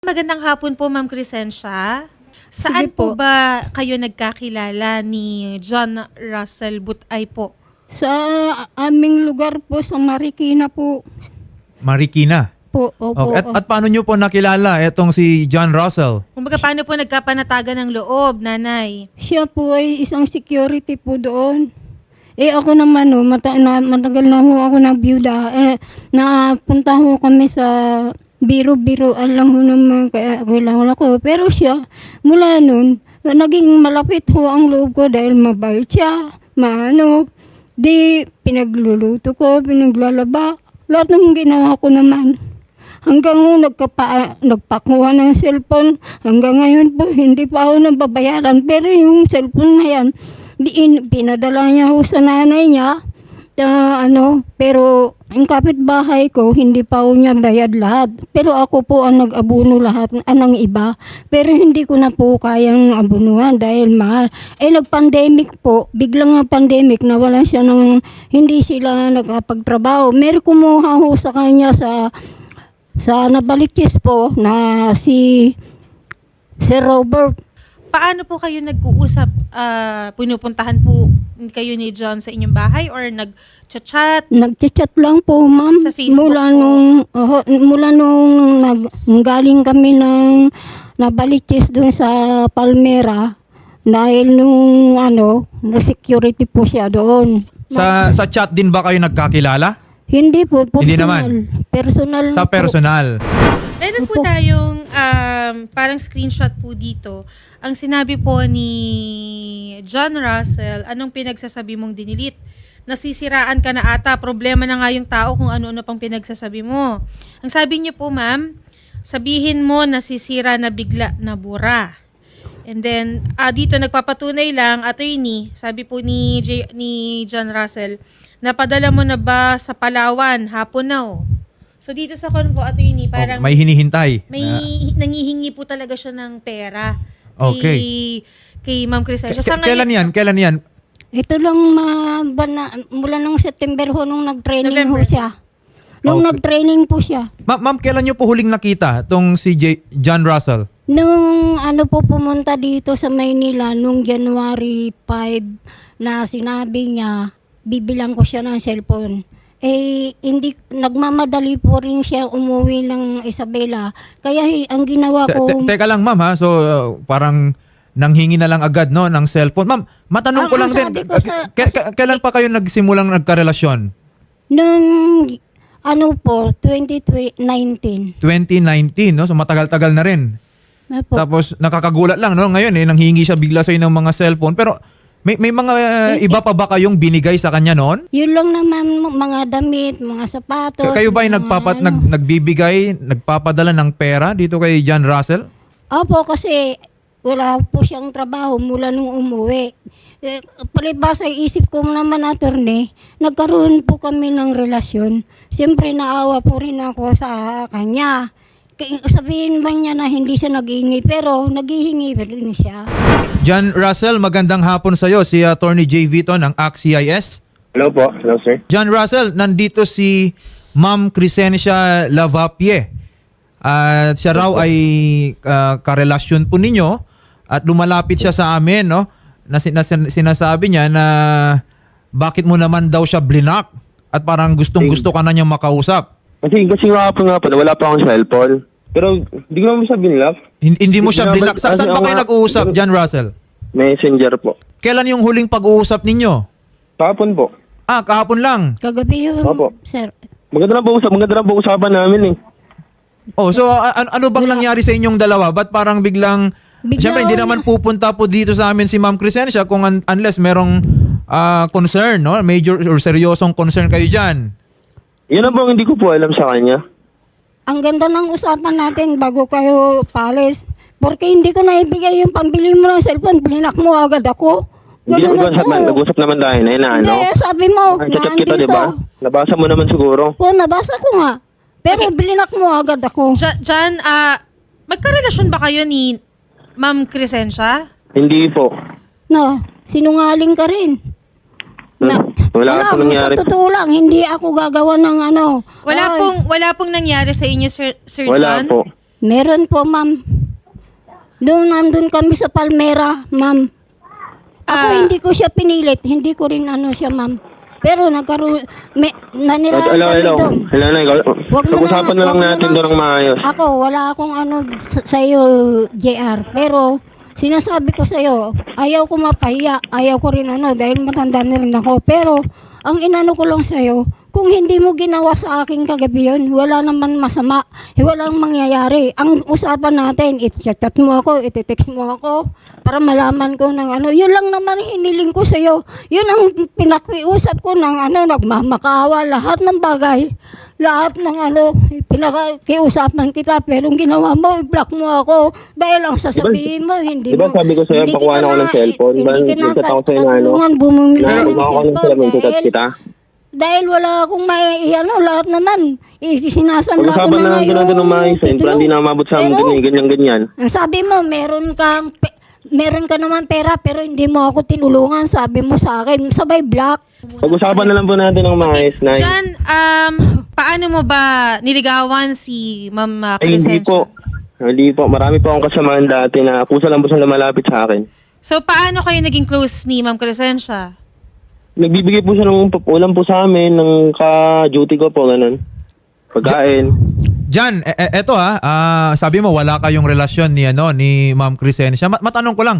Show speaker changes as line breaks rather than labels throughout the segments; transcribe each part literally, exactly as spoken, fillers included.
Magandang hapon po, Ma'am Crescencia. Saan
Sige
po
po.
ba kayo nagkakilala ni John Russell Butay po?
Sa aming lugar po, sa Marikina po.
Marikina.
Po, opo.
Okay. At, at paano nyo po nakilala itong si John Russell?
Kumbaga, paano po nagkapanatagan ng loob, nanay?
Siya po ay isang security po doon. Eh ako naman, no, mata, na, matagal na ho ako nagbyuda. Eh, napunta ho kami sa biro-biroan lang ho naman kaya kailangan ako. Pero siya, mula nun, naging malapit ho ang loob ko dahil mabait siya, maano. Di, pinagluluto ko, pinaglalaba. Lahat ng ginawa ko naman. Hanggang ho nagkapa, nagpakuha ng cellphone. Hanggang ngayon po, hindi pa ako nababayaran. Pero yung cellphone na yan, di, in, pinadala niya ho sa nanay niya. Uh, ano, pero ang kapitbahay ko, hindi pa ho niya bayad lahat. Pero ako po ang nag-abuno lahat ah, ng iba. Pero hindi ko na po kayang abunuhan dahil mahal. Eh nag-pandemic po, biglang nga pandemic, nawalan siya ng, hindi sila nagkapagtrabaho. Meron kumuha ho sa kanya sa, sa Nabalikis po na si Sir Robert.
Paano po kayo nag-uusap? Ah, pinupuntahan po kayo ni John sa inyong bahay or nag-chat?
Nag-chat lang po, ma'am.
Sa Facebook
mula
po?
nung oh, mula nung nag galing kami ng Nabaliches doon sa Palmera dahil nung ano, na security po siya doon.
Sa sa chat din ba kayo nagkakilala?
Hindi po, personal.
Hindi naman.
Personal
Sa
po.
personal.
Meron po
Opo.
tayong um, parang screenshot po dito. Ang sinabi po ni John Russell, anong pinagsasabi mong dinilit? Nasisiraan ka na ata, problema na nga yung tao kung ano-ano pang pinagsasabi mo. Ang sabi niyo po, ma'am, sabihin mo nasisira na bigla na bura. And then, ah, dito nagpapatunay lang, attorney, sabi po ni, J, ni John Russell, napadala mo na ba sa Palawan? Hapon na oh. So dito sa convo, attorney, parang
Oh, may hinihintay.
may
Na-
nangihingi po talaga siya ng pera
Okay.
kay, kay Ma'am Crescencia.
K-
Sa
kailan yan? Kailan yan?
Ito lang ma, bana, mula nung September ho nung nag-training
November.
ho siya. Nung
Okay.
nag-training po siya.
Ma- ma'am, kailan nyo po huling nakita itong si J- John Russell?
Nung ano po pumunta dito sa Maynila nung January five na sinabi niya, bibilang ko siya ng cellphone. Eh, hindi, nagmamadali po rin siya umuwi ng Isabela. Kaya hi- ang ginawa
Te-
ko,
te- Teka lang ma'am ha, so uh, parang nanghingi na lang agad no ng cellphone. Ma'am, matanong
Ang-
ko lang
ang
din,
sabi ko
uh,
sa-
k- k- kailan pa kayo nagsimulang nagkarelasyon?
nung ano po, twenty nineteen.
twenty nineteen, no? So matagal-tagal na rin.
Apo.
Tapos nakakagulat lang no ngayon eh nanghingi siya bigla sa ng mga cellphone pero may may mga uh,
Eh,
iba pa ba kayong binigay sa kanya noon?
Yun lang naman, mga damit, mga sapatos.
K- kayo ba ay
mga
nagpapat
ano.
nag, nagbibigay, nagpapadala ng pera dito kay John Russell?
Opo, kasi wala po siyang trabaho mula nung umuwi. Eh, palibasa isip ko naman, attorney, nagkaroon po kami ng relasyon. Siyempre naawa po rin ako sa kanya. Kaya sabihin ba niya na hindi siya naghihingi, pero naghihingi rin siya.
John Russell, magandang hapon sa iyo. Si Attorney J. Vito ng A C C I S.
Hello po. Hello, sir.
John Russell, nandito si Ma'am Crescencia Lavapie. At siya raw ay uh, karelasyon po ninyo at lumalapit siya sa amin, no? Na, sin- na sin- sinasabi niya na bakit mo naman daw siya blinak at parang gustong-gusto ka na niyang makausap.
Kasi, kasi nga po nga po, wala pa akong cellphone. Pero, hindi ko naman siya binlock.
Hin- Hindi mo siya
Hindi
blinak.
naman-
Sa- saan
kasi
ba
ako
kayo
nga-
nag-uusap, John Russell?
Messenger po.
Kailan yung huling pag-uusap ninyo?
Tapon po.
Ah, kahapon lang.
Kagabi yun,
Opo.
sir.
Maganda na po usap, maganda na po usapan namin eh.
Oh, so a- a- ano bang nangyari sa inyong dalawa? Ba't parang biglang
Bigla
Siyempre, hindi
na-
naman pupunta po dito sa amin si Ma'am Crescencia kung un- unless merong ah, concern, no? Major or seryosong concern kayo dyan.
Yun ang bang hindi ko po alam sa kanya.
Ang ganda ng usapan natin bago kayo palis. Porque hindi ko naibigay yung pambili mo ng cellphone, blinak mo agad ako.
Hindi
Ganun
nag-usap,
ako.
nag-usap naman tayo na yun na ano.
Hindi, sabi mo,
Chat kita, di
nandito.
ba? Nabasa mo naman siguro.
Oo, nabasa ko nga. Pero bilinak mo agad ako.
Ja- John, ah, magkarelasyon ba kayo ni Ma'am Crescencia?
Hindi po.
No, sinungaling ka rin. Na,
Wala po nangyari.
Sa totoo lang, hindi ako gagawa ng ano.
Wala
Ay,
pong wala pong nangyari sa inyo, Sir, Sir
Wala
John?
po.
Meron po, ma'am. Doon nandun kami sa Palmera, ma'am. Ako
Ah.
hindi ko siya pinilit, hindi ko rin ano siya, ma'am. Pero nagkaroon, may, nanirahan
Hello,
kami
hello.
doon.
Hello, na, ikaw.
Wag mo
Pag-usapan na lang
wag mo
natin
na-
doon ng maayos.
Ako, wala akong ano sa- sa'yo, J R. Pero, sinasabi ko sa'yo, ayaw ko mapahiya. Ayaw ko rin ano, dahil matanda na rin ako. Pero, ang inano ko lang sa'yo, kung hindi mo ginawa sa akin kagabi yun, wala naman masama. Walang mangyayari. Ang usapan natin, i-chat mo ako, i-text mo ako, para malaman ko ng ano. Yun lang naman hiniling ko sa'yo. Yun ang pinakiusap ko ng ano, nagmamakawa, lahat ng bagay. Lahat ng ano, pinakiusapan kita. Pero ang ginawa mo, i-block mo ako. Dahil ang sasabihin mo, hindi
Diba
mo.
sabi ko sa'yo,
hindi
pakuha
kita
na ako ng
na-
cellphone.
Hindi
Diba,
ka na
nagchat ako sa'yo na ano,
katulungan bumumili
na
ng
kumakuha ng
cellphone.
cellphone, tutat
Dahil,
kita.
dahil wala akong may, ano, lahat naman. Isinasanla ko
Pag-usapan
na
na
nga
lang doon ng maayos. eh.
titulo.
Hindi na umabot sa amin
Pero,
ganyan, ganyan, ganyan.
ang sabi mo, meron kang, pe- meron ka naman pera, pero hindi mo ako tinulungan. Sabi mo sa akin, sabay black.
Pag-usapan na lang po natin ng maayos, Nay.
Jan, um, paano mo ba niligawan si Ma'am uh,
Ay, hindi
Crescencia?
po. Hindi po. Marami po akong kasamahan dati na kusa lang po sila lumalapit sa akin.
So, paano kayo naging close ni Ma'am Crescencia?
Nagbibigay po siya ng ulam po sa amin, ng ka-duty ko po, ganun. Pagkain.
Jan, e- e- eto ha, ah, sabi mo wala kayong relasyon ni ano ni Ma'am Crescencia. Ma- matanong ko lang,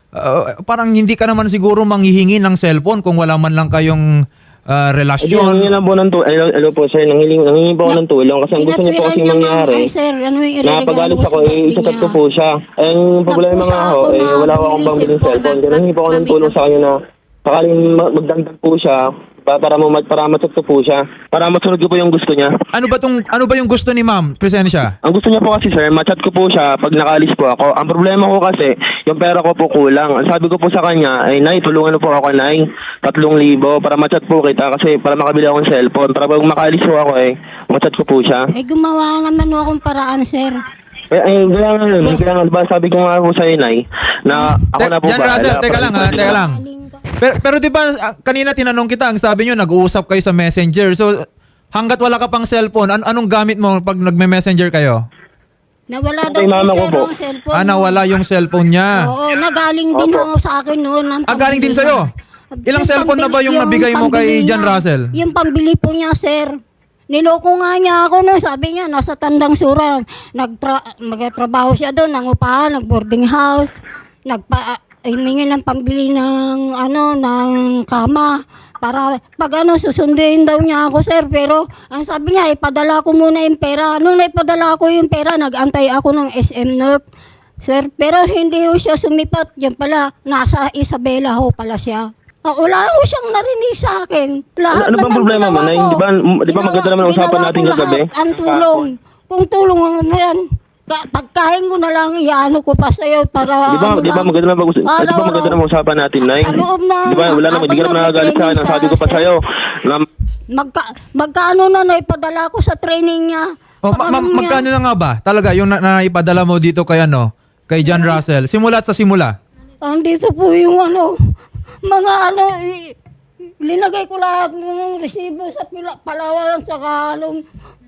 ah, parang hindi ka naman siguro manghihingi ng cellphone kung wala man lang kayong ah,
Hindi,
relasyon.
nangingi lang po ng tulong. Hello, hello po, sir. Nangingi, nangingi po ako ng tulong kasi ang gusto niya po
Tinatwiran
kasi
niya, ma'am.
mangyari.
Ay, sir, ano yung ireregalo
Napagalit
ko
ako,
sa
eh,
birthday
isakat ko
niya?
po siya. Eh, ang problema
Nagpusa
nga
ako
ako, eh,
na
wala akong
bumili
pambiling
cellphone.
cellphone. Kaya nangingi po ako ng
Ma'am,
tulong sa kanya na sakaling ma- magdagdag po siya pa- para mo para ma-check ko po siya. Para masunod ko po yung gusto niya.
Ano ba tong ano ba yung gusto ni Ma'am Crescencia?
Ang gusto niya po kasi, sir, ma-chat ko po siya pag nakaalis po ako. Ang problema ko kasi, yung pera ko po kulang. Ang sabi ko po sa kanya, ay, Nay, tulungan mo po ako, Nay. Tatlong libo para ma-chat po kita kasi para makabili ako ng cellphone. Para pag makaalis po ako, eh, ma-chat ko po siya.
Eh, gumawa naman akong paraan, sir.
Eh, ay, kaya nga yun. Kaya nga, diba, sabi ko nga po sa'yo, Nay, na ako
Te-
na po
Jan
ba?
Russell, teka lang ha, teka lang. Pero, pero di ba ah, kanina tinanong kita, ang sabi nyo nag-uusap kayo sa Messenger. So hanggat wala ka pang cellphone, an- anong gamit mo pag nagme-messenger kayo?
Nawala
Kay
daw
mama
po,
ko
sir,
po.
ang cellphone.
Ah, nawala yung cellphone niya.
Oo, nagaling din
Opo.
ako sa akin noon. ng
Ah, galing din
pambili
sa'yo?
niya.
Ilang cellphone na ba yung nabigay mo kay
pambili
Jan
niya.
Russell?
Yung pambili po niya, sir. Niloko nga niya ako no, sabi niya, nasa Tandang Sura. Nagtra- magtrabaho siya doon, nangupahan, nag-boarding house. Nagpa hiningi ng pambili ng ano ng kama para pag ano susunduin daw niya ako, sir, pero ang sabi niya ipadala ko muna yung pera. Nung naipadala ko yung pera, nagantay ako ng S M North, sir, pero hindi ho siya sumipat. Yan pala, nasa Isabela ho pala siya. Ah, wala ho siyang narinig sa akin. Lahat
Ano- ano bang
naman
problema mo,
ginawa
Nay?
ko.
Di ba- di ba maganda naman ang
Ginawa-
usapan natin
ginawa ko
kagabi?
lahat. Ang tulong. Kung tulong ano yan, ka- pagkain ko na lang, iano ko pa sa'yo para...
Di ba,
ano
di ba
lang.
maganda naman pag- di ba
Araw-araw.
maganda naman usapan natin, Nay?
Sa loob na-
Di ba, wala naman, di ka naman
habang
nakagalit sa akin. Ang
nag-training
sabi ko pa
sa-
sa'yo, na
Magka, magkano na naipadala ko sa training niya?
Oh, ma- ma-
Pag- ano niya?
magkano na nga ba? Talaga yung na- naipadala mo dito kay ano, kay Jan Russell. Simula't sa simula.
Andito po yung ano, mga ano, i- linagay ko lahat ng resibo sa pila, Palawan saka ano,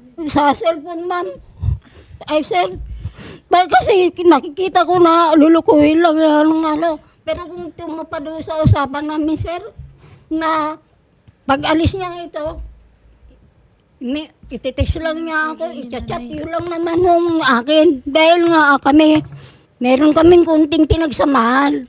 sa cellphone, ma'am. Ay, sir, ba, kasi nakikita ko na lulukuhin lang yan ng ano. Pero kung tumupad doon sa usapan namin, sir, na pag alis niya ito, may, ititext lang niya ako, i-chat yun lang naman ng akin. Dahil nga ah, kami, meron kaming kunting pinagsamahan.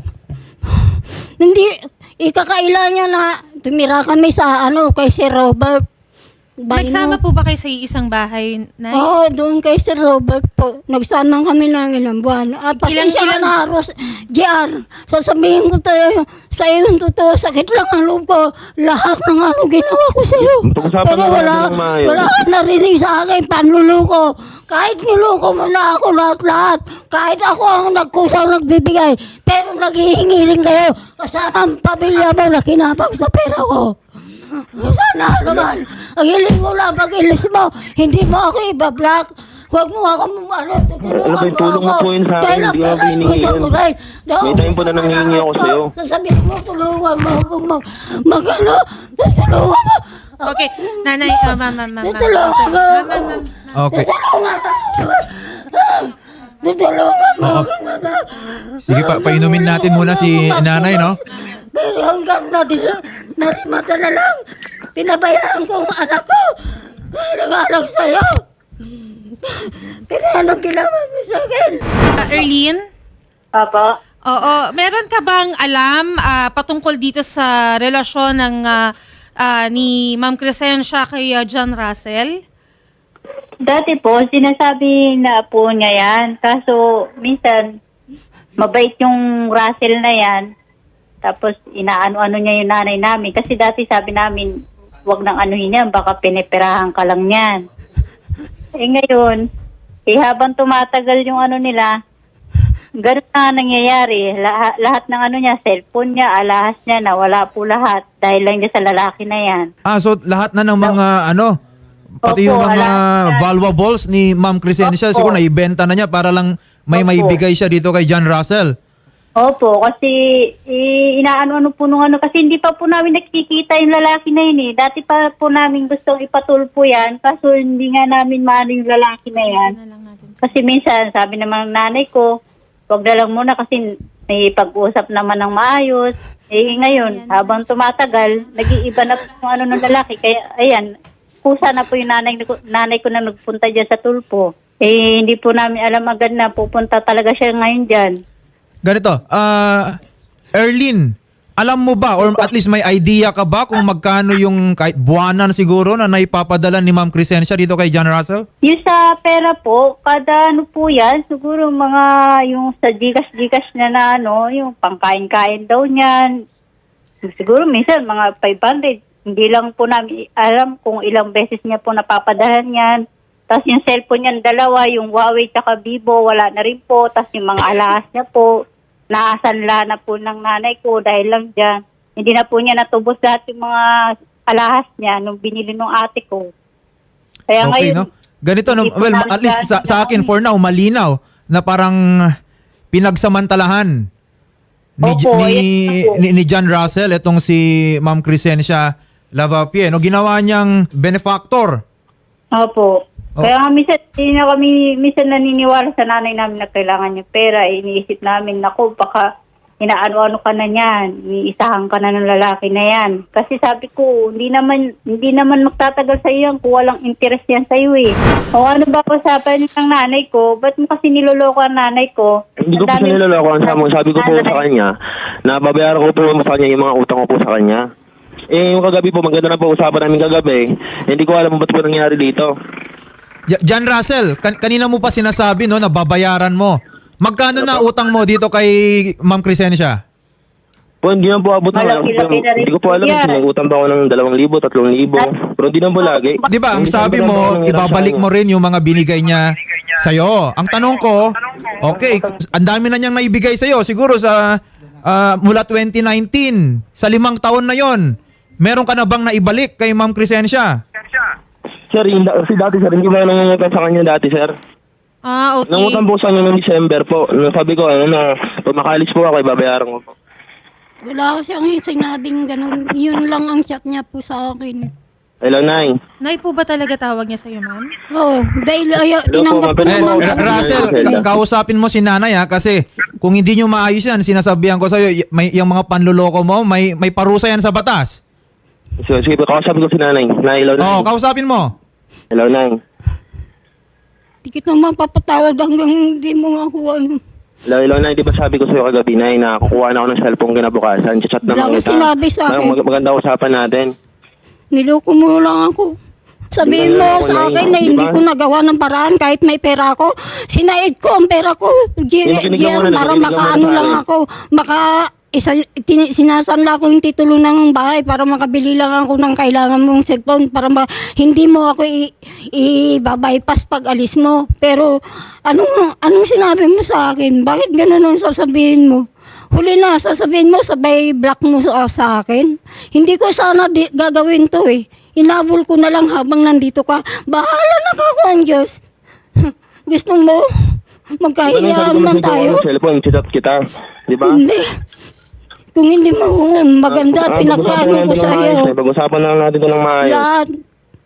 Hindi, ikakaila niya na tumira kami sa ano, kay Sir Robert. Baino.
Nagsama po ba kayo sa isang bahay, Nay?
Oo, doon kay Sir Robert po. Nagsama kami ng ilang buwan. At pasensya
Ilang-
ka na, Ros, J R. Sasabihin ko tayo, sa iyo yung totoo, sakit lang ang loob ko. Lahat ng ano ginawa ko sa iyo.
Pag-usapan
Pero
natin
wala,
ng maayos.
wala ka narinig sa akin, panluluko. Kahit niloko mo na ako lahat-lahat. Kahit ako ang nagkusang nagbibigay. Pero naghihingi rin kayo. Kasama ang pamilya mo na kinapang sa pera ko. Sana naman, ang hiling mo lang pag-ilis mo, hindi mo ako ibablock. Huwag mo ako ano, tutulungan
Ano ba yung tulong mo po yun sa akin?
Dahil ang
Hindi mo
pera
hinihingi
ko,
yun.
tuloy.
May time po na nanghihingi ako sa'yo.
Sasabihin mo, tulungan mo ako mag, mag ano, tutulungan mo.
Okay, nanay, uh, ma'am, ma'am, ma'am, ma'am.
Tutulungan mo.
Ma'am, ma'am, ma'am.
Okay.
Tutulungan mo. Tutulungan mo
Oo.
ako, anak.
Sige, pa painumin natin muna si nanay, no?
Pero hanggang natin, narimata na lang. Pinabayaan ko ang anak ko. Nag-aalang sa'yo. Pero anong ginawa mo sa akin?
Ah, Erlene?
Opo.
Oo. Meron ka bang alam ah, patungkol dito sa relasyon ng ah, ah, ni Ma'am Crescencia kay ah, John Russell?
Dati po, sinasabi na po niya yan. Kaso, minsan, mabait yung Russell na yan. Tapos, inaano-ano niya yung nanay namin. Kasi dati sabi namin, wag nang anuhin yan, baka piniperahan ka lang yan. Eh ngayon, eh habang tumatagal yung ano nila, ganun na nangyayari. Lahat, lahat ng ano niya, cellphone niya, alahas niya, nawala po lahat. Dahil lang niya sa lalaki na yan.
Ah, so lahat na ng mga ano, pati
Opo,
yung mga
alam yan.
valuables ni Ma'am Crescencia,
Opo.
siguro naibenta na niya para lang may
Opo.
maibigay siya dito kay John Russell.
Opo, kasi eh, inaano-ano po nung ano, kasi hindi pa po namin nakikita yung lalaki na yun eh. Dati pa po namin gustong ipatulpo yan, kaso hindi nga namin maano yung lalaki na yan.
Na lang natin.
Kasi minsan, sabi naman ng nanay ko, wag na lang muna kasi may pag-usap naman ng maayos. Eh ngayon, habang tumatagal, nag-iiba na po yung ano ng lalaki. Kaya ayan, kusa na po yung nanay, nanay ko na nagpunta dyan sa tulpo. Eh hindi po namin alam agad na pupunta talaga siya ngayon dyan.
Ganito, ah, Erlene, alam mo ba or at least may idea ka ba kung magkano yung kahit buwanan siguro na naipapadala ni Ma'am Crescencia dito kay John Russell?
Yung sa pera po, kada ano po yan, siguro mga yung sa Gcash-Gcash na na ano, yung pangkain-kain daw niyan. Siguro minsan mga five hundred. Hindi lang po namin alam kung ilang beses niya po napapadala yan. Tapos yung cellphone niyan, dalawa, yung Huawei tsaka Vivo, wala na rin po. Tapos yung mga alahas niya po, naasanla na po ng nanay ko dahil lang dyan. Hindi na po niya natubos lahat yung mga alahas niya nung binili ng ate ko. Kaya
Okay,
ngayon,
no? Ganito, no?
hindi po
Well,
namin
at least sa,
gaano
sa akin
na-
for now, malinaw na parang pinagsamantalahan ni,
Opo,
ni,
yes po.
ni, ni John Russell itong si Ma'am Crescencia Lavapie. No? Ginawa niyang benefactor.
Opo.
Oh.
Kaya nga minsan, hindi na kami minsan naniniwala sa nanay namin na kailangan niya pera. Iniisip namin, naku, baka inaano-ano ka na niyan. Iniisahan ka na ng lalaki na yan. Kasi sabi ko, hindi naman hindi naman magtatagal sa iyo yan kung walang interest yan sa iyo eh. O ano ba usapan ng nanay ko? Ba't mo kasi niloloko ang nanay ko?
Hindi ko po
Ang
siya
dami-
niloloko. Ang sabi, sabi ko po sa kanya, na babayaran ko po sa kanya yung mga utang ko po sa kanya. Eh, yung kagabi po, maganda na po usapan namin kagabi. Hindi ko alam ba't po nangyari dito.
J- John Russell, kan- kanina mo pa sinasabi no, na babayaran mo. Magkano na utang mo dito kay Ma'am Crescencia?
Po, hindi naman po abot na.
Malaki-laki na rin
Hindi ko po alam
po yan.
kung may utang ba ako ng dalawang libo, tatlong libo. Pero hindi naman po lagi.
Di ba, ang
Hindi
sabi
naman po
mo,
ako nanghiram sa
ibabalik
kanya.
mo rin yung mga binigay niya sa'yo. Ang tanong ko, okay, ang dami na niyang naibigay sa'yo. Siguro sa ah, mula twenty nineteen, sa limang taon na yon, meron ka na bang naibalik kay Ma'am Crescencia?
Sir, yung, da- si dati sir, hindi mo nangungutang sa kanya dati, sir.
Ah, okay.
Nangutang po sa kanya noong December po. Nung sabi ko, ano na, pag makalis po ako, ibabayaran ko po.
Wala ko siyang sinabing ganun. Yun lang ang chat niya po sa akin.
Hello, Nay.
Nay po ba talaga tawag niya sa'yo, ma'am?
Oo, dahil ay, tinanggap ko
Hello po,
Eh,
naman
ma'am.
Ra-
talaga
Russell,
sa akin.
ka- kausapin mo si nanay ha, kasi kung hindi nyo maayos yan, sinasabihan ko sa'yo, y- may, yung mga panluloko mo, may, may parusa yan sa batas.
So, sige po, kausapin ko si Nanay. Nay, hello, Nay.
Oo, kausapin mo.
Hello, Nay.
Di kita mapapatawad hanggang hindi mo ako ano.
Hello, hello, Nay. Di ba sabi ko sa'yo kagabi, Nay, na kukuha na ako ng cellphone kinabukasan. Chat
Wala
naman
akong sinabi sa akin.
Mag- maganda usapan natin.
Niloko mo lang ako. Sabihin
Di
mo
ba niloko
sa
na
akin
yun?
na
Di
hindi
ba?
ko nagawa ng paraan kahit may pera ako. Sinaid ko ang pera ko. Gi-
Di, makinig ka
gi-
muna,
para
makinig ka
makaano
muna sa
lang
akin.
ako. Maka isa, tin, sinasanla ko yung titulo ng bahay para makabili lang ako ng kailangan mong cellphone para ma, hindi mo ako i, i-bypass pag alis mo. Pero anong, anong sinabi mo sa akin? Bakit ganun ang sasabihin mo? Huli na, sasabihin mo, sabay block mo sa, sa akin. Hindi ko sana di, gagawin to eh. Inabol ko na lang habang nandito ka. Bahala na ka ko ang Diyos. Gusto mo? Magkahiyaan
Ano,
man
sabi ko,
tayo?
ng cellphone, chat kita. Di ba?
Hindi. Kung hindi mo maganda,
Ah,
pinakaano
pag-usapan
ko
natin ng
sa
maayos,
iyo.
eh. Pag-usapan na lang natin ito ng maayos.
Lahat.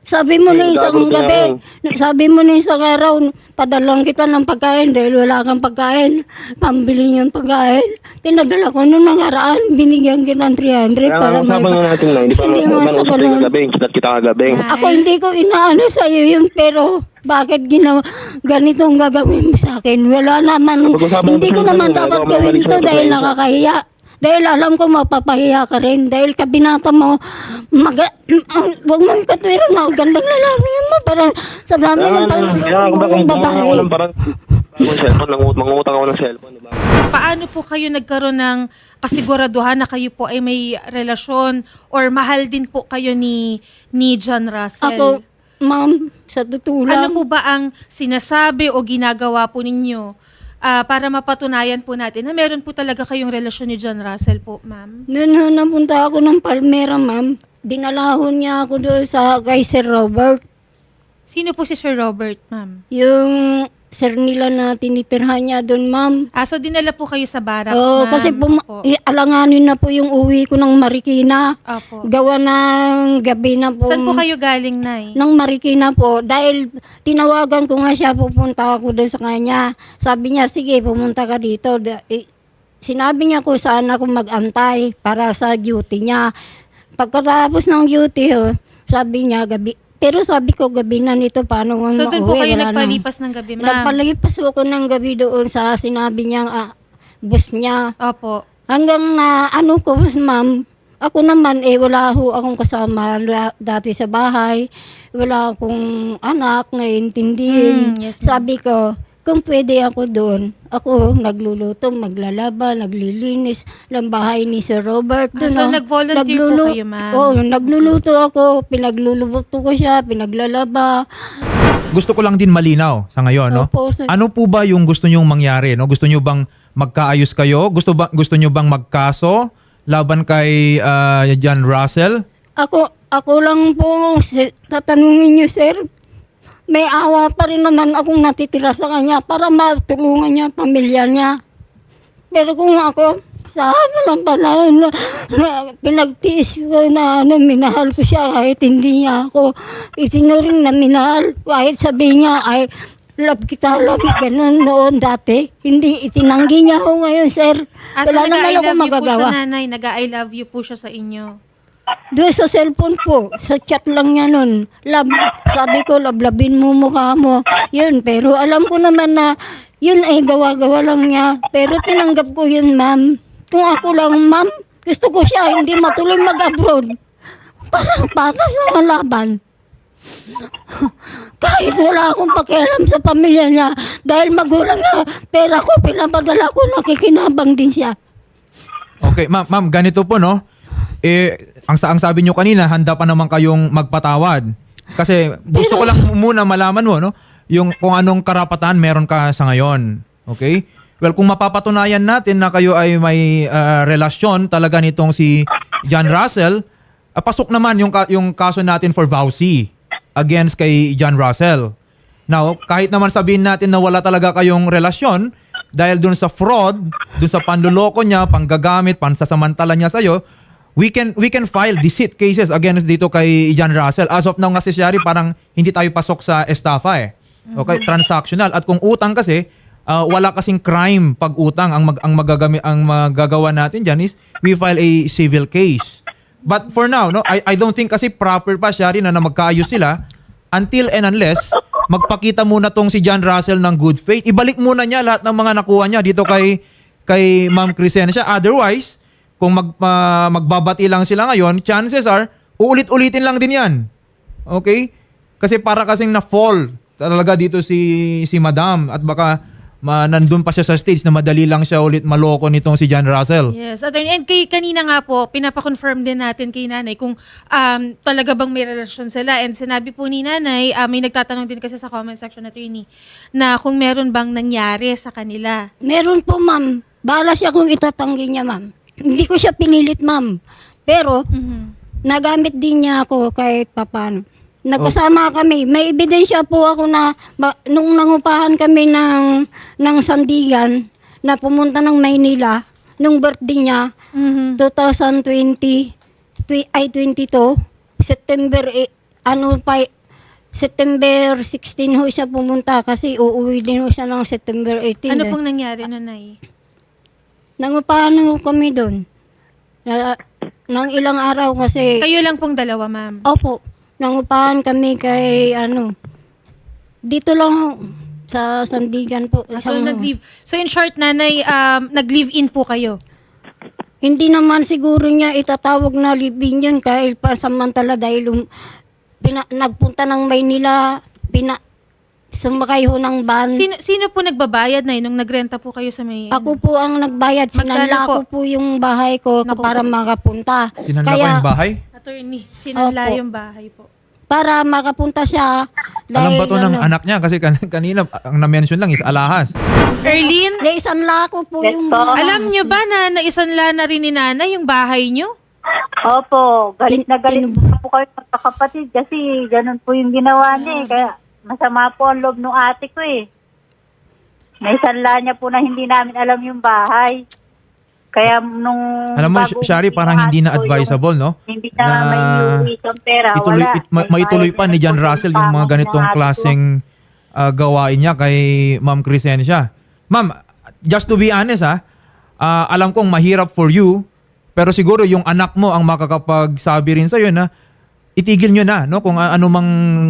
Sabi mo na
Eh,
isang
gago
gabi, sabi mo na isang araw, padalang kita ng pagkain dahil wala kang pagkain. Pambili niyo yung pagkain. Pinadala ko nung nakaraan, binigyan kita ng three hundred
Kaya
para
nga,
may...
usapan nga natin na, hindi pa
Hindi mo
naman
sa
usap
ganun.
tayo kagabi, chat kita kagabi.
Ako hindi ko inaano sa iyo yun, pero bakit ginawa, ganitong gagawin mo sa akin? Wala naman,
Pag-usapan
hindi ko
natin
naman
yun,
dapat
ikaw
gawin
mamalis
to
na ito
dahil
sa isa.
nakakahiya. Dahil alam ko mapapahiya ka rin. Dahil kabinata mo, mag, huwag mo ikatwira na, gandang lalaki mo. Para sa dami
Kaya
ng
nga,
pang-
kaya nga, kung
ng
gumawa ako
babae.
ng parang, ng cellphone, nangut- mangutang ako ng cellphone. Diba?
Paano po kayo nagkaroon ng kasiguraduhan na kayo po ay may relasyon or mahal din po kayo ni ni John Russell?
Ako, ma'am, sa totoo
Ano
lang,
po ba ang sinasabi o ginagawa po ninyo ah, para mapatunayan po natin na meron po talaga kayong relasyon ni John Russell po, ma'am?
noon na napunta ako ng Palmera, ma'am. Dinalahon niya ako doon sa kay Sir Robert.
Sino po si Sir Robert, ma'am?
Yung sir nila na tinitirhan niya doon, ma'am.
Ah, so dinala po kayo sa barracks,
Oo,
ma'am?
kasi pum-
Opo.
i- alanganin na po yung uwi ko ng Marikina.
Opo.
Gawa ng gabi na po.
Saan po kayo galing, Nay?
Ng Marikina po. Dahil tinawagan ko nga siya, pupunta ako doon sa kanya. Sabi niya, sige, pumunta ka dito. Da- eh, Sinabi niya ko saan ako mag-antay para sa duty niya. Pagkatapos ng duty, oh, sabi niya, gabi. Pero sabi ko, gabi na nito, paano mo
So doon po
mauwi?
kayo
Wala nang-
nagpalipas ng gabi, ma'am?
Nagpalipas ako ng gabi doon sa sinabi niyang ah, bus niya.
Opo.
Hanggang na ano ko, ma'am, ako naman eh wala ho akong kasama la- dati sa bahay. Wala akong anak na intindihin.
Mm, yes, ma'am.
Sabi ko, kung pwede ako doon, ako nagluluto, maglalaba, naglilinis ng bahay ni Sir Robert.
Ah, so
oh.
nag-volunteer po
Naglulu-
kayo, ma'am?
Oo, nagluluto ako, pinagluluto ko siya, pinaglalaba.
Gusto ko lang din malinaw sa ngayon, no?
Opo, sir.
Ano po ba yung gusto nyong mangyari, no? Gusto nyo bang magkaayos kayo? Gusto ba gusto nyo bang magkaso laban kay ah, John Russell?
Ako, ako lang po, si- tatanungin niyo, sir. May awa pa rin naman akong natitira sa kanya para matulungan niya ang pamilya niya. Pero kung ako, sa ano lang pala, na, na, pinagtiis ko na ano, minahal ko siya kahit hindi niya ako itinuring na minahal. Kahit sabi niya, ay, love kita, love, ganun noon dati. Hindi, itinanggi niya ako ngayon, sir.
Ah, so
Wala naman
nag-I
ako
love you po
magagawa.
siya, nanay. Nag-I love you po siya sa inyo.
Doon sa cellphone po, sa chat lang niya nun. Love, sabi ko, lablabin mo mukha mo. Yun, pero alam ko naman na yun ay gawa-gawa lang niya. Pero tinanggap ko yun, ma'am. Kung ako lang, ma'am, gusto ko siya hindi matuloy mag-abroad. Parang patas na laban. Kahit wala akong pakialam sa pamilya niya, dahil magulang na pera ko, pinapadala ko, nakikinabang din siya.
Okay, ma'am, ma'am, ganito po, no? Eh, ang, sa- ang sabi nyo kanina, handa pa naman kayong magpatawad. Kasi gusto ko lang muna malaman mo, no? Yung kung anong karapatan meron ka sa ngayon. Okay? Well, kung mapapatunayan natin na kayo ay may ah, relasyon talaga nitong si John Russell, ah, pasok naman yung, ka- yung kaso natin for vowsy against kay John Russell. Now, kahit naman sabihin natin na wala talaga kayong relasyon, dahil dun sa fraud, dun sa panluloko niya, panggagamit, pansasamantala niya sa'yo, we can we can file deceit cases against dito kay John Russell. As of now nga si Shari, parang hindi tayo pasok sa estafa eh. Okay, transactional. At kung utang kasi, ah, wala kasing crime pag utang. Ang mag, ang magagami ang magagawa natin diyan is we file a civil case. But for now, no, I I don't think kasi proper pa Shari na, na magkaayos sila until and unless magpakita muna tong si John Russell ng good faith. Ibalik muna niya lahat ng mga nakuha niya dito kay kay Ma'am Crescencia. Otherwise, kung mag, ma- magbabati lang sila ngayon, chances are, uulit-ulitin lang din yan. Okay? Kasi para kasing na-fall talaga dito si si Madam at baka ma, nandun pa siya sa stage na madali lang siya ulit maloko nitong si John Russell.
Yes, attorney. And kay, kanina nga po, pinapakonfirm din natin kay nanay kung um, talaga bang may relasyon sila. And sinabi po ni nanay, uh, may nagtatanong din kasi sa comment section, attorney, na kung meron bang nangyari sa kanila.
Meron po, ma'am. Bahala siya kung itatanggi niya, ma'am. Hindi ko siya pinilit, ma'am. Pero, nagamit din niya ako kahit papano. Nagkasama kami. May ebidensya po ako na ba, nung nangupahan kami ng, ng Sandigan na pumunta ng Maynila, nung birthday niya,
Mhm.
twenty twenty, twi- ay twenty-two, September, eh, ano pa, September sixteen ho siya pumunta kasi uuwi din ho siya ng September eighteen.
Ano
eh.
pong nangyari, nanay?
Nangupahan ho kami doon. Na, nang ilang araw kasi,
Kayo lang pong dalawa, ma'am.
opo, nangupahan kami kay ano, dito lang ho, sa Sandigan po.
Ah, So,
Isang-
nag-leave. So, in short, nanay, um, nag-live-in po kayo.
Hindi naman siguro niya itatawag na libing yun kahit pasamantala dahil um, pina, nagpunta ng Maynila, pina, sumakay ho ng van.
Sino, sino po nagbabayad na nung nagrenta po kayo sa may...
Ako po ang nagbayad.
Magkano
Sinanla
po?
ko po yung bahay ko
Naku
para
po.
makapunta.
Sinanla ko
Kaya,
yung bahay?
Attorney, sinanla
Opo.
yung bahay po.
para makapunta siya.
Alam ba to ng
ano,
anak niya? Kasi kan- kanina, ang na-mention lang is alahas.
Erlyn,
Dahil sanla ko po
Yes
yung
po.
bahay.
alam nyo ba na naisanla na rin ni nanay yung bahay nyo?
Opo, galit na galit
Tin-
na po kayo magkakapatid kasi ganun po yung ginawa niya eh. Kaya masama po ang loob ng ate ko eh. Naisanla niya po na hindi namin alam yung bahay. Kaya nung...
Alam mo,
bago
Shari,
uwi
parang
ng
hindi
ate
na
ko,
advisable, no?
yung Hindi na,
Na
may iuwi siyang pera.
Ituloy,
wala.
it- ma- maituloy pa ni John Russell yung mga ganitong klaseng ah, gawain niya kay Ma'am Crescencia. Ma'am, just to be honest ha, ah, alam kong mahirap for you, pero siguro yung anak mo ang makakapagsabi rin sa'yo na itigil nyo na, no? Kung ah, ano mang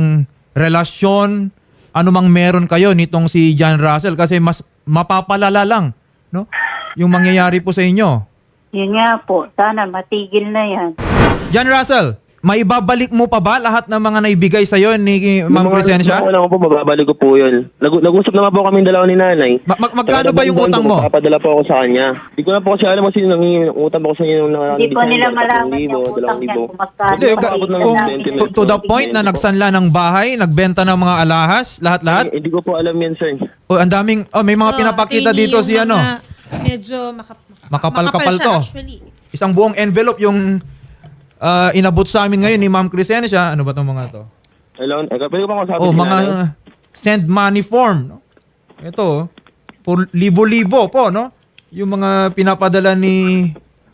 relasyon, ano mang meron kayo nitong si John Russell kasi mas mapapalala lang, no? Yung mangyayari po sa inyo.
Yun nga po, sana matigil na yan.
John Russell, maibabalik mo pa ba lahat ng mga naibigay sa'yo ni Ma'am Crescencia?
Wala ko po, mababalik ko po yun. Nag- nag-usap naman po kami dalawa ni nanay.
Ma- mag- magkano ba yung utang mo?
Papadala po ako sa kanya. Hindi ko na po kasi alam kung sino nangingi ng utang po ko sa inyo nung nakakita.
Hindi po nila malaman yung utang niya kung magkano.
Hindi, ka-
Abot ng
kung,
twenty
to, to the
minutes.
point na nagsanla ng bahay, nagbenta ng mga alahas, lahat-lahat.
Hindi ko po alam yan, sir.
O, ang daming, oh, may mga
Oh,
pinapakita
attorney,
dito
yung
si ano,
mga Medyo makap-
Makapal-kapal
makapal
to.
siya, actually.
isang buong envelope yung ah, inabot sa amin ngayon ni Ma'am Crescencia. Ano ba itong mga to?
Hello, eh, pwede ko ba kausapin
Oh,
si
mga
nanay?
uh, send money form. No? Ito, oh, por libo-libo po, no? Yung mga pinapadala ni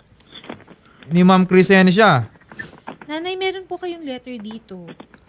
ni Ma'am Crescencia.
Nanay, meron po kayong letter dito.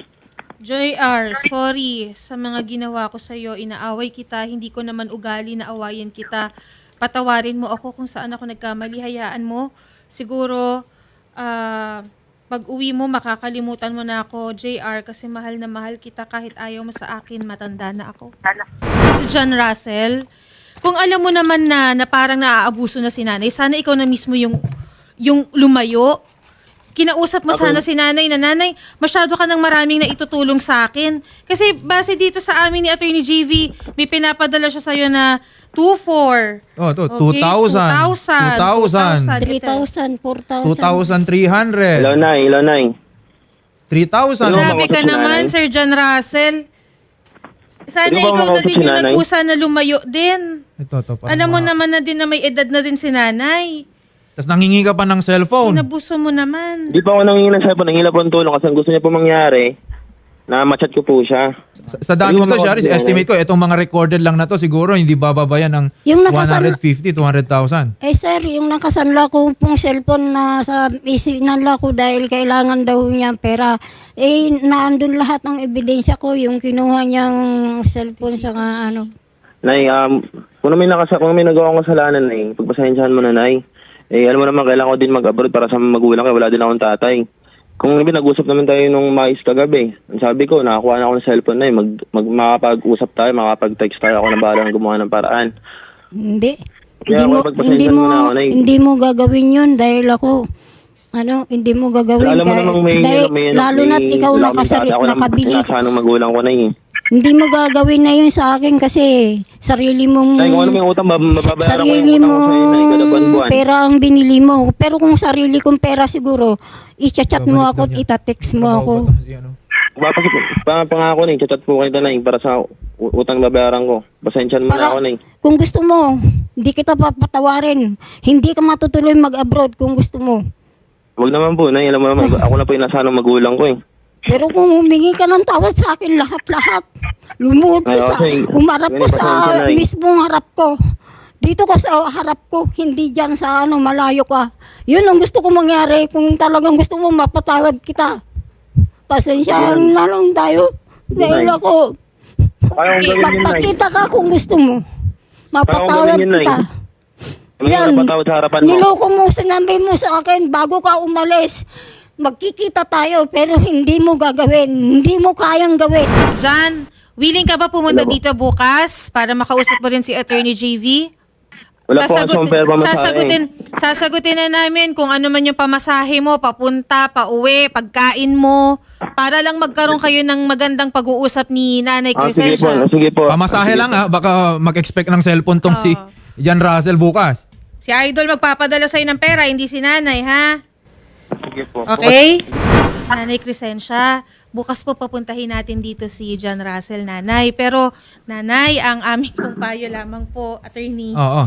Joy R, sorry sa mga ginawa ko sa'yo. Inaaway kita. Hindi ko naman ugali na awayin kita. Patawarin mo ako kung saan ako nagkamali. Hayaan mo. Siguro, ah, pag uwi mo, makakalimutan mo na ako, J R, kasi mahal na mahal kita kahit ayaw mo sa akin. Matanda na ako. John Russell, kung alam mo naman na, na parang naaabuso na si nanay, sana ikaw na mismo yung, yung lumayo. Kinausap mo sana si nanay na, nanay, masyado ka ng maraming na itutulong sa akin. Kasi base dito sa amin ni Attorney J V, may pinapadala siya sa'yo na two four.
Oh, to
Okay,
two thousand.
two thousand.
three thousand, four thousand.
two thousand three hundred.
Hello, nay. Hello, nay.
three thousand.
Hello,
Grabe ka
makausap si
naman,
nanay?
Sir John Russell. Sana
Pwede ba
ikaw na
makausap
din
si
yung
nanay?
nag-usa na lumayo din.
Ito, to. parang
Alam mo
mga-
naman na din na may edad na din si nanay.
Tapos nangingi ka pa ng cellphone.
Inabuso mo naman.
Hindi pa ako nangingi ng cellphone. Nangingi po ng tulong kasi ang gusto niya po mangyari na machat ko po siya.
Sa, sa dami
Pwede
nito,
ba
Shari,
makausap si
estimate ko, itong mga recorded lang na to, siguro hindi bababa yan ng
Yung
one
nakasal-
hundred fifty, two hundred thousand.
Eh sir, yung nakasanla ko pong cellphone na sa isinanla ko dahil kailangan daw niya pera, eh naandun lahat ng ebidensya ko, yung kinuha niyang cellphone sa ano.
Nay, um, kung may, nakasa- kung may nagawa akong kasalanan, nay, pagpasensyahan mo na, nay. Eh, alam mo naman, kailangan ko din mag-abroad para sa magulang kaya wala din akong tatay. Kung nabi, nag-usap naman tayo nung mais kagabi. Ang sabi ko, nakakuha na ako ng cellphone na eh. Mag, mag, makapag-usap tayo, makapag-text tayo. Ako na bahala ng gumawa ng paraan.
Hindi.
Kaya
Hindi mo
mapagpasensyahan
hindi mo
mo na ako, Nay.
hindi mo gagawin 'yun dahil ako ano, hindi mo gagawin
Alam mo
kahit-
namang may,
dahil,
may,
lalo
may,
na't ikaw
wala akong
nakasari,
tatay. Ako na-
nakabili.
nasa ng magulang ko na eh.
Hindi mo gagawin na 'yun sa akin kasi sarili mong
Nay, kung ano may utang, mab-
sa-
mababayaran ko
sarili
yung utang
mong
ko sa'yo, Nay, kada buwan-buwan.
pera ang binili mo. Pero kung sarili kong pera siguro, i-chat mo ako at ita-text mo ako.
Papasok, pa, pangako na, chat po kayo na para sa u- utang babayaran ko. Pasensyahan mo na
Para,
ako na eh.
kung gusto mo, hindi kita papatawarin. Hindi ka matutuloy mag-abroad kung gusto mo.
Huwag naman po, Nay. Alam mo naman, ako na po yung nasa ng magulang ko eh.
Pero kung humingi ka ng tawad sa akin, lahat-lahat, lumuhod ka
Ay,
sa,
okay.
umarap ko
Ganun,
sa
pasensya na eh.
mismong harap ko. Dito ka sa harap ko, hindi dyan sa ano, malayo ka. Yun ang gusto ko mangyari kung talagang gusto mo mapatawad kita. Pasensyahan na lang tayo. Dahil
Nay.
ako,
Kaya kong gawin yun, Nay.
magpakita ka kung gusto mo. Mapatawad
gawin yun, Nay.
kita.
May
Yan,
napatawad sa harapan mo.
niloko mo, sinabi mo sa akin bago ka umalis. Magkikita tayo pero hindi mo gagawin. Hindi mo kayang gawin.
John, willing ka ba pumunta
Wala po.
dito bukas para makausap mo rin si Attorney J V?
Wala po kasi pera pamasahe.
sasagutin, sasagutin na namin kung ano man yung pamasahe mo, papunta, pauwi, pagkain mo, para lang magkaroon kayo ng magandang pag-uusap ni Nanay
Ah, sige po,
Crescencia.
sige po.
Pamasahe
Sige
lang
po.
ha, baka mag-expect ng cellphone tong si John Russell bukas.
Si Idol magpapadala sa'yo ng pera, hindi si Nanay, ha?
Sige po.
Okay? Nanay Crescencia, bukas po papuntahin natin dito si John Russell, Nanay. Pero, Nanay, ang aming pong payo lamang po, Attorney,
Oo.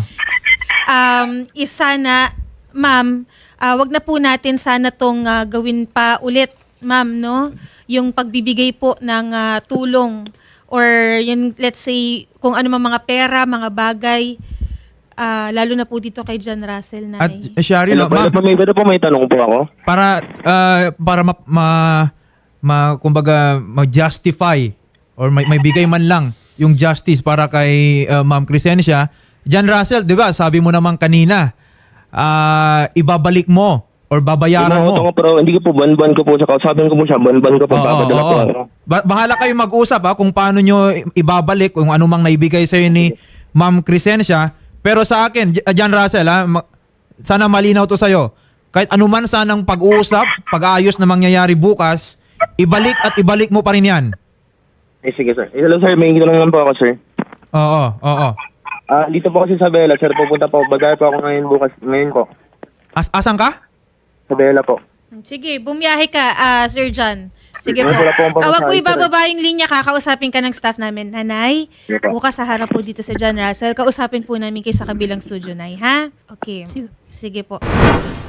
um, is sana, ma'am, ah, wag na po natin sana tong ah, gawin pa ulit, ma'am, no? Yung pagbibigay po ng ah, tulong or yung, let's say, kung ano mang mga pera, mga bagay, ah, lalo na po dito kay John Russell,
At
Nanay.
eh, Shari,
Hello
no,
po,
ma'am,
hello po, may, hello po, may tanong po ako.
para ah, para ma, ma, ma- kumbaga ma-justify or may, may bigay man lang yung justice para kay ah, Ma'am Crescencia. John Russell, 'di ba? Sabi mo naman kanina, ah, ibabalik mo or babayaran
Ano,
mo.
ako, pero hindi ko po, ban-ban ko po siya. Kausapin ko po siya, ban-ban ko po.
Oo,
Papadala
oo,
po.
oo.
Ano.
Ba- bahala kayo mag-usap ha, kung paano nyo i- ibabalik kung ano mang naibigay sa ni Ma'am Crescencia. Pero sa akin, J- John Russell ha, ma- sana malinaw to sa'yo. Kahit anuman sanang pag-uusap, pag-aayos na mangyayari bukas, ibalik at ibalik mo pa rin yan.
Eh, sige, sir. Eh, hello, sir. May tanong lang po ako, sir.
Oo, oo.
Ah, dito po kasi sa Bella, sir. Pupunta po. Bagay po ako ngayon bukas. Ngayon po.
As asan ka?
Sa Bella po.
Sige, bumiyahe ka, ah, Sir John. Sige po.
Wala po akong
Kawag ko
pamasahe,
ibababa yung linya, kakausapin ka ng staff namin. Nanay,
Sige po.
bukas sa harap po dito sa John Russell. Kausapin po namin kayo sa kabilang studio, Nay, ha? Okay.
Sige.
Sige po.